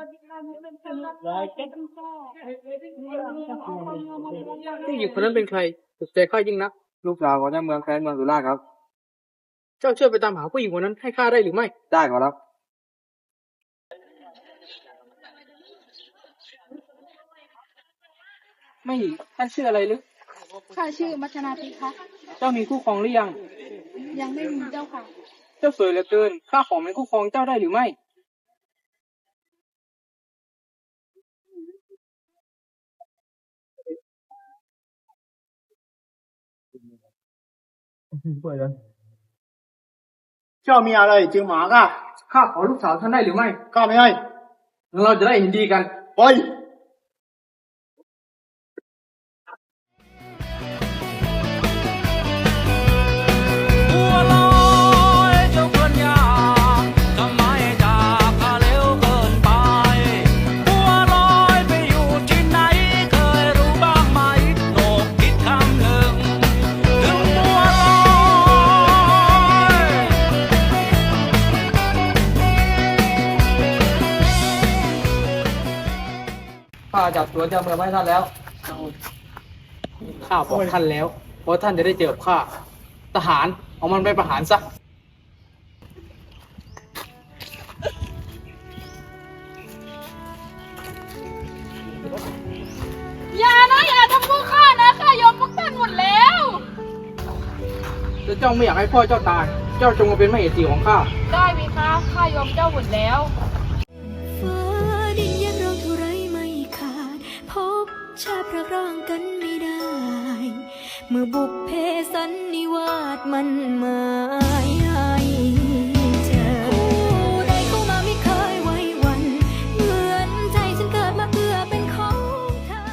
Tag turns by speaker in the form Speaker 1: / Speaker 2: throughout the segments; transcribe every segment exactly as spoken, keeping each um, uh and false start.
Speaker 1: ผู้หญิงคนนั้นเป็นใครตกใจข้ายิ่งนัก
Speaker 2: ลูกสาวของเจ้าเมืองแคว้นเมืองสุราษฎร์ครับ
Speaker 1: เจ้าช่วยไปตามหาผู้หญิงคนนั้นให้ข้าได้หรือไม่
Speaker 2: ได้ขอรับ
Speaker 1: ไม่ท่านชื่ออะไรหรือ
Speaker 3: ข้าชื่อมัชนาธิคะ
Speaker 1: เจ้ามีคู่ครองหรือยัง
Speaker 3: ยังไม่มีเจ้าค่ะ
Speaker 1: เจ้าสวยเหลือเกินข้าขอเป็นคู่ครองเจ้าได้หรือไม่
Speaker 2: เปิดเลยเจ้ามีอะไรจึงหมาก่ะ
Speaker 1: ข้าขอลูกสาวท่านได้หรือไม่
Speaker 2: ข้าไม่ให้
Speaker 1: เราจะได้เห็นดีกัน
Speaker 2: ไป
Speaker 1: ข้าจับตัวเจ้าเมืองไว้ท่านแล้วข้าบอกท่านแล้วเพราะท่านจะได้เจอกับข้าทหารเอามันไปประหารซะ
Speaker 3: อย่านะอย่าทำพวกข้านะข้ายอมพวกท่านหมดแล้ว
Speaker 1: ถ้าเจ้าไม่อยากให้พ่อเจ้าตายเจ้าจงมาเป็นมเหสีของข้า
Speaker 3: ได้ไหมคะข้ายอมเจ้าหมดแล้ว
Speaker 4: ชาพระร่างกันไม่ได้เมื่อบุพเพสันนิวาสมันหมายให้เจอผู้ใดเข้ามาไม่เคยไว้วันเหมือนใจฉันเกิดมาเพื่อเป็นของเธอ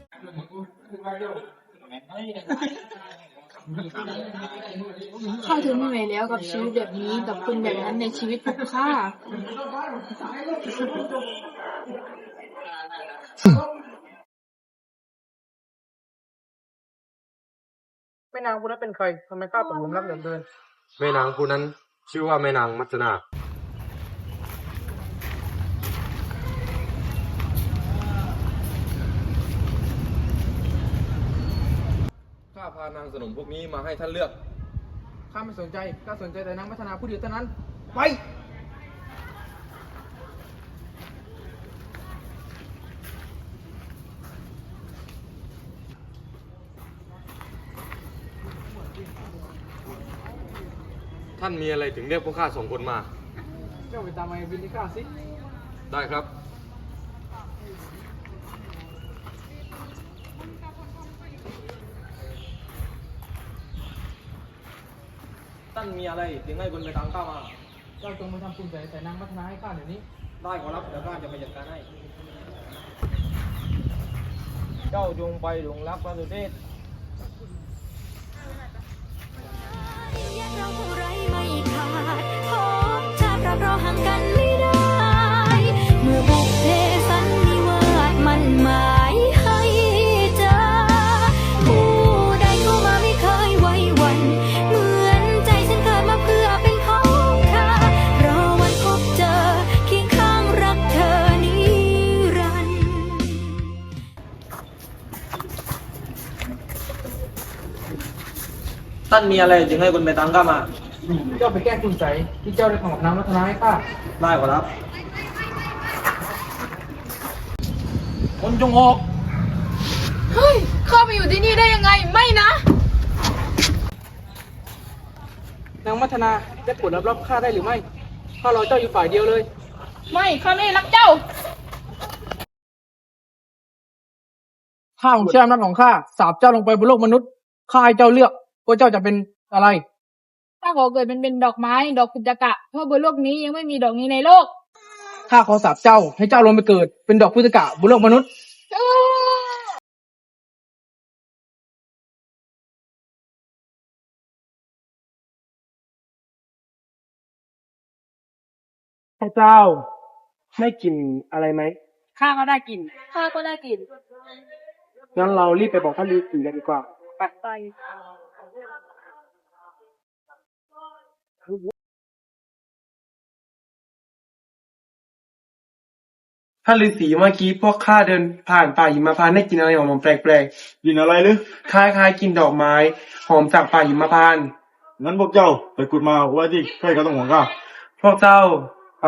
Speaker 3: ข้าทนไม่ไหวแล้วกับชีวิตแบบนี้กับคนแบบนั้นในชีวิตของข้า
Speaker 1: แม่นางผู้นั้นเป็นใครทำไมข้าตกหลุมรักเหลือเกิน
Speaker 2: แม่นางผู้นั้นชื่อว่าแม่นางมัจนาข้าพานางสนมพวกนี้มาให้ท่านเลือก
Speaker 1: ข้าไม่สนใจข้าสนใจแต่นางมัทนาผู้เดียวเท่านั้นไป
Speaker 2: ท่านมีอะไรถึงเรียกพวกข้าสองคนมา
Speaker 1: เจ้าไปตามไอ้บินที่ข้าสิ
Speaker 2: ได้ครับท่านมีอะไรถึงให้คนไปตามข้ามา
Speaker 1: เจ้าจงมาทำคุณใส่ใส่นางมัทนาให้ข้าเดี๋ยวนี้
Speaker 2: ได้ขอรับเดี๋ยวข้าจะไปจัดการให้เจ้าจงไปหลงรักพระสุเทพ
Speaker 4: เราเท่าไรไม่ขาดพบชาติรักเราห่างกันไม่ได้เมื่อบุพเพสันนิวาสมันหมายให้เจอผู้ใดเข้ามาไม่เคยไว้วันเหมือนใจฉันเกิดมาเพื่อเป็นของเธอรอวันพบเจอเคียงข้างรักเธอนิรันดร์
Speaker 2: ท่านมีอะไรจึงให้คนไปตามข้ามา
Speaker 1: เจ้าไปแก้คุณใส่ที่เจ้าได้ทำกับนางมัทนาให้ข้า
Speaker 2: ได้ขอรับ
Speaker 1: คนจงออก
Speaker 3: เฮ้ยข้ามาอยู่ที่นี่ได้ยังไงไม่นะ
Speaker 1: นางมัทนาได้โปรดรับรับข้าได้หรือไม่ข้ารอเจ้าอยู่ฝ่ายเดียวเลย
Speaker 3: ไม่ข้าไม่รักเจ้า
Speaker 1: ข้าของเชื่อมนัดของข้าสาบเจ้าลงไปบนโลกมนุษย์ข้าให้เจ้าเลือกว่าเจ้าจะเป็นอะไร
Speaker 3: ข้าขอเกิดเป็นเป็นดอกไม้ดอกกุจกะเพราะบนโลกนี้ยังไม่มีดอกนี้ในโลก
Speaker 1: ข้าขอสาบเจ้าให้เจ้าลงไปเกิดเป็นดอกพุทธกะบนโลกมนุษย์พระเจ้าได้กลิ่นอะไรไหมข้าก็ได้กลิ่น
Speaker 3: ข้าก็ได้กลิ่น
Speaker 1: งั้นเรารีบไปบอกท่านฤาษีกันดีกว่าไป
Speaker 3: ไป
Speaker 5: ท่านฤาษีเมื่อกี้พวกข้าเดินผ่านป่าหิมพานต์ได้กลินอะไรหอมๆแปลก
Speaker 2: กินอะไรหรือ
Speaker 5: ๆคล้ายๆกลินดอกไม้หอมจากป่าหิมพานต์
Speaker 2: งั้นพวกเจ้าไปขุดมาไว้ที่ใกล้กระท่อมของข้า
Speaker 5: พวกเจ้าไป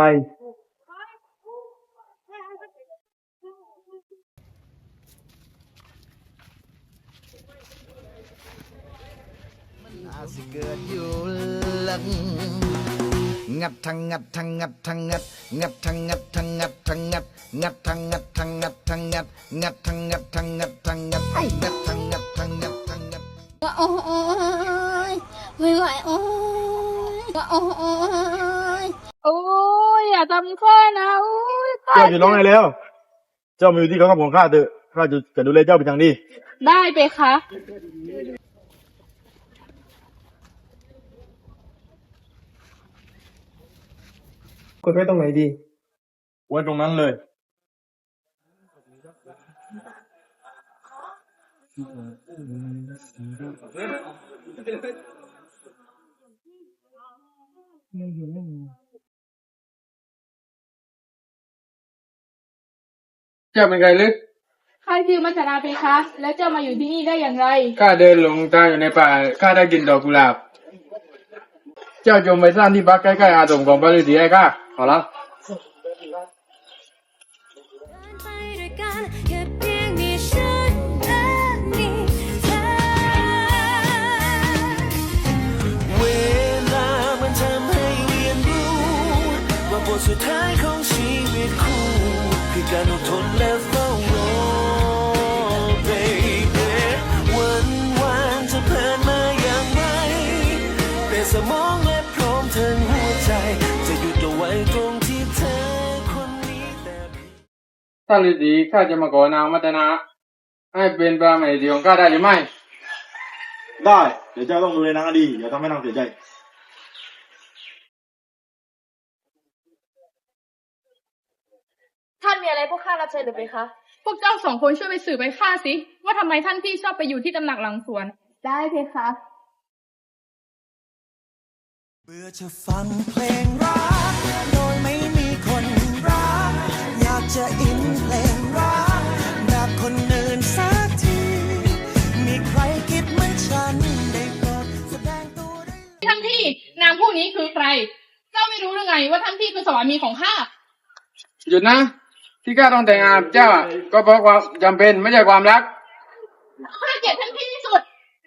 Speaker 6: อาจสิเกิดอยู่หลังงัดทั้งงัดทั้งงัดทั้งงัดงัดทั้งงัดทั้งงัดทั้งงัดงัดทั้งงัดทั้งงัดทั้งงัดงัดทั้งงัดทั้งงัดทั้งงัดงัดทั้งงัดทั้งงัดทั้งงัด
Speaker 4: โอ้ยไม่ไหวโอ้ยโอ้ย
Speaker 3: โอ้ยอย่าทำข้านะโอ้ยข้า
Speaker 2: เจ้าจะร้องไห้แล้ว เจ้ามาอยู่ที่กระท่อมของข้าเถอะข้าจะจะดูแลเจ้าเป็นอย่างดี
Speaker 3: ได้ไปคะ
Speaker 5: กดไว้ตรงไหนดี
Speaker 2: ไว้ตรงนั้นเลย
Speaker 1: เจ้าเป็นใครลึก
Speaker 3: ข้าชื่อมัจจนาเพคะ แล้วเจ้ามาอยู่ที่นี่ได้อย่างไร
Speaker 1: ข้าเดินหลงทางอยู่ในป่าข้าได้กลินดอกกุหลาบ เจ้าจงไปสร้างที่พักใกล้ๆอาสมของพระฤาษีให้ข้าขอรับ
Speaker 4: ไปด้วยกันแค่เพียงมีฉันและมีเธอ
Speaker 6: เวลามันทำให้เรียนรู้ว่าบทสุดท้ายของชีวิตคู่คือการอดทนและเฝ้ารอ baby วันวานจะผ่านมาอย่างไรแต่สมองและพร้อมทั้งหัวใจจะหยุดเอาไว้ตรงที่เธอคนนี้แต่
Speaker 1: ท่านฤาษีข้าจะมาขอนางมัตนา ให้เป็นพระมเหสีของข้าได้หรือไม่
Speaker 2: ได้ เดี๋ยวเจ้าต้องดูแลนางให้ดีอย่าทำให้นางเสียใจ
Speaker 7: ท่านมีอะไรพวกข้ารับใช้หรือไปคะ
Speaker 3: พวกเจ้าสองคนช่วยไปสืบไปข้าสิ ว่าทำไมท่านพี่ชอบไปอยู่ที่ตำหนักหลังสวน ได้เพคะ
Speaker 6: เบื่อจะฟังเพลงรักโดยไม่มีคนรักอยากจะอินเพลงรักแบบคนอื่นสักที มีใครคิดเหมือนฉันได้โปรดแสดงตัวได้
Speaker 3: ท่านพี่นางผู้นี้คือใคร เจ้าไม่รู้หรือไงว่าท่านพี่คือสวามีของข้า
Speaker 1: หยุดนะ ที่ข้าต้องแต่งงานกับเจ้าอะก็เพราะความจำเป็นไม่ใช่ความรัก
Speaker 3: ข้าเกลียดท่านพี่ที่สุด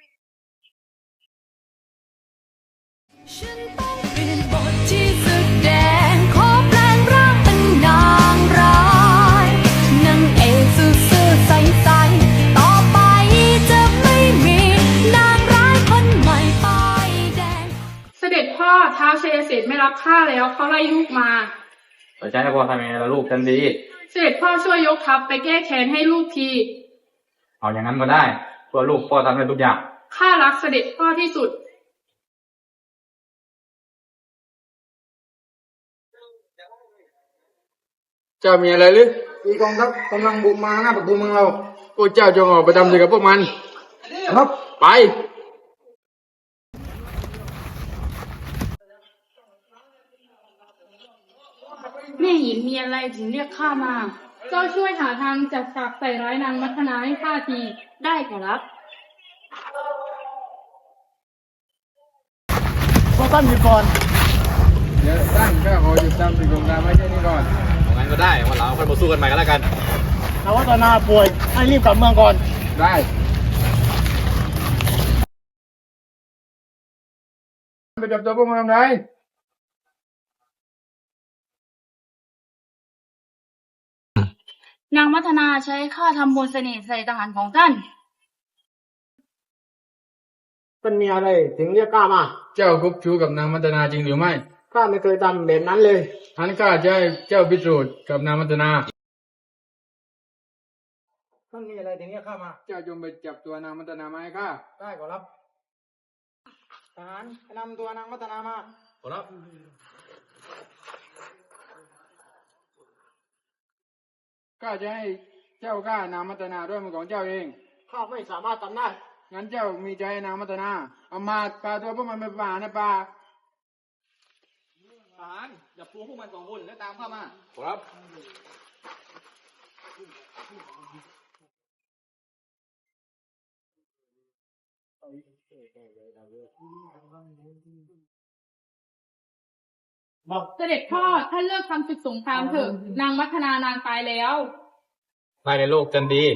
Speaker 4: ฉันต้องเปลี่ยนบทที่แสดงขอแปลงร่างเป็นนางร้ายนางเอกซื่อๆใสๆต่อไปจะไม่มีนางร้ายคนใหม่ป้ายแดง
Speaker 3: เสด็จพ่อท้าวชัยเศรษฐ์ไม่รับข้าแล้วเขาไล่ลูกมา
Speaker 8: แต่ฉันให้พ่อทำยังไงล่ะลูกฉันดี
Speaker 3: เสด็จพ่อช่วยยกทัพไปแก้แค้นให้ลูกที
Speaker 8: เอาอย่างนั้นก็ได้เพื่อลูกพ่อทำได้ทุกอย่าง
Speaker 3: ข้ารักเสด็จพ่อที่สุด
Speaker 1: เจ้ามีอะไรหรือมีกองทัพกำลังบุกมาหน้าประตูเมืองเราพวกเจ้าจงออกไปทำศึกกับพวกมัน ครับ ไป
Speaker 3: แม่หญิงมีอะไรถึงเรียกข้ามา เจ้าช่วยหาทางจัดฉากใส่ร้ายนางมัทนาให้ข้าที ได้ครับ
Speaker 2: พวกท่านหยุดก่อน
Speaker 1: เดี๋ยวท่านข้าขอหยุดทำศึกสงครามไว้แค่นี้ก่อน
Speaker 8: งั้นก็ได้วันหลังค่อยมาสู้กันใหม่ก็แล้วกัน
Speaker 2: นางวัฒนาป่วย ให้รีบกลับเมืองก่อน
Speaker 1: ได้ ไปจับตัวพวกมันทำไร
Speaker 3: นางมัทนาใช้ข้าทำมนต์เสน่ห์ใส่ทหารของท่าน
Speaker 1: มันมีอะไรถึงเรียกข้ามา เจ้าคบชู้กับนางมัตนาจริงหรือไม่ ข้าไม่เคยทำแบบนั้นเลยท่านข้าจะให้เจ้าพิสูจน์กับนางมัตนาท่านมีอะไรถึงเรียกข้ามา เจ้าจงไปจับตัวนางมัตนามาให้ข้า ได้ขอรับทหารนำตัวนางมัตนามา
Speaker 8: ขอรับ
Speaker 1: ข้าจะให้เจ้าฆ่านางมัตนาด้วยมือของเจ้าเอง ข้าไม่สามารถทำได้ งั้นเจ้ามีใจให้นางมัตนา เอามาพาตัวพวกมันไปป่าในป่า
Speaker 8: ทหารอย่าปูพวกมันสองคนแล้วตามข้ามา ครับ
Speaker 3: เสด็จพ่อท่านเลิกทำศึกสงครามเถอะนางมัทนานางตายแล้ว
Speaker 8: ไม่ในโลกจันดี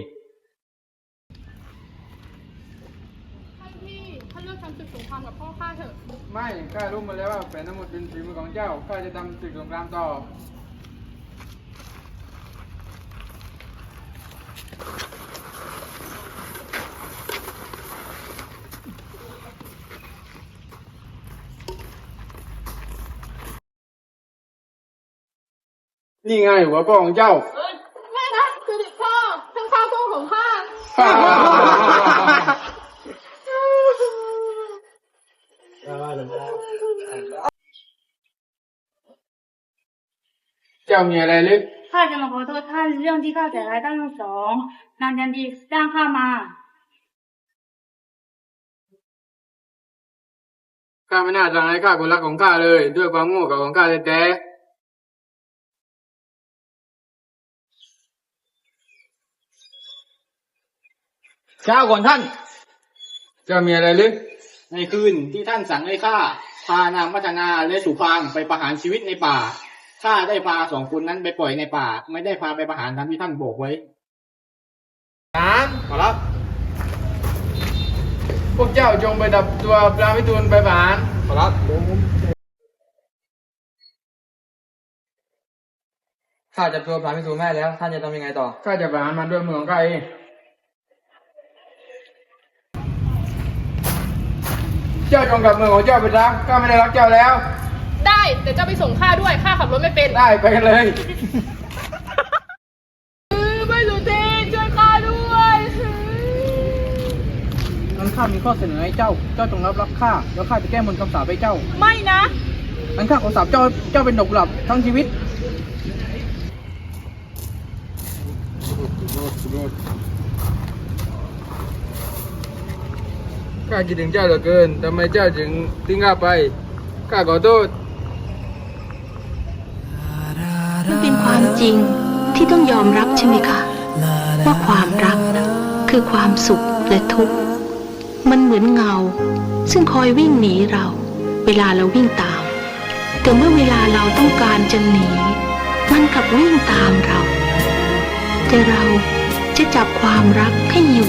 Speaker 3: ท่านพี่ท่านเลิกทำศึกสงครามกับพ่อข้าเถอะ
Speaker 1: ไม่ข้ารู้มาแล้วว่าแผนทั้งหมดเป็นฝีมือของเจ้าข้าจะทำศึกสงครามต่อ นี่ไงหัวพ่อของเจ้า
Speaker 3: ไม่นะเสด็จพ่อท่านข้าพ่อของข้า
Speaker 1: เจ้ามีอะไรลึก
Speaker 3: ข้าจะมาขอโทษท่านเรื่องที่ข้าแต่ร้ายท่านทั้งสองนางยันดีจ้างข้ามา
Speaker 1: ข้าไม่น่าสั่งให้ข้าคนรักของข้าเลย ด้วยความโง่เขลาของข้าแท้ๆ
Speaker 2: เช้าก่อนท่าน
Speaker 1: เจ้ามีอะไรลึก
Speaker 2: ในคืนที่ท่านสั่งให้ข้าพานางมัทนาและสุพางไปประหารชีวิตในป่าข้าได้พาสองคนนั้นไปปล่อยในป่า ไม่ได้พาไปประหารตามที่ท่านบอกไว้นานขอรับ
Speaker 1: พวกเจ้าจงไปดับตัวพระวิทูลไปประหาร
Speaker 2: ขอรับ
Speaker 5: ข้าจับตัวพระพิสูจน์แม่แล้ว ท่านจะทำยังไงต่อ
Speaker 1: ข้าจะประหารมันด้วยมือของข้าเอง เจ้าจงกลับมือของเจ้าไปซะข้าไม่ได้รักเจ้าแล้ว
Speaker 3: ได้แต่เจ้าไปส่งข้าด้วยข้าขับรถไม่เป็น
Speaker 1: ได้ไปกันเลย
Speaker 3: ไม่รู้ทีช่วยข้าด้วย
Speaker 2: งั้นข้ามีข้อเสนอให้เจ้า เจ้าจงรับรักข้า แล้วข้าจะแก้มนต์คำสาปให้เจ้า
Speaker 3: ไม่นะ
Speaker 2: งั้นข้าขอสาปเจ้า เจ้าเป็นดอกกุหลาบทั้งชีวิต
Speaker 1: ข้าคิดถึงเจ้าเหลือเกิน ทำไมเจ้าถึงทิ้งข้าไป ข้าขอโทษ
Speaker 9: มันเป็นความจริงที่ต้องยอมรับใช่ไหมคะ ว่าความรักคือความสุขและทุกข์มันเหมือนเงา ซึ่งคอยวิ่งหนีเรา เวลาเราวิ่งตาม แต่เมื่อเวลาเราต้องการจะหนี มันกลับวิ่งตามเรา แต่เราจะจับความรักให้อยู่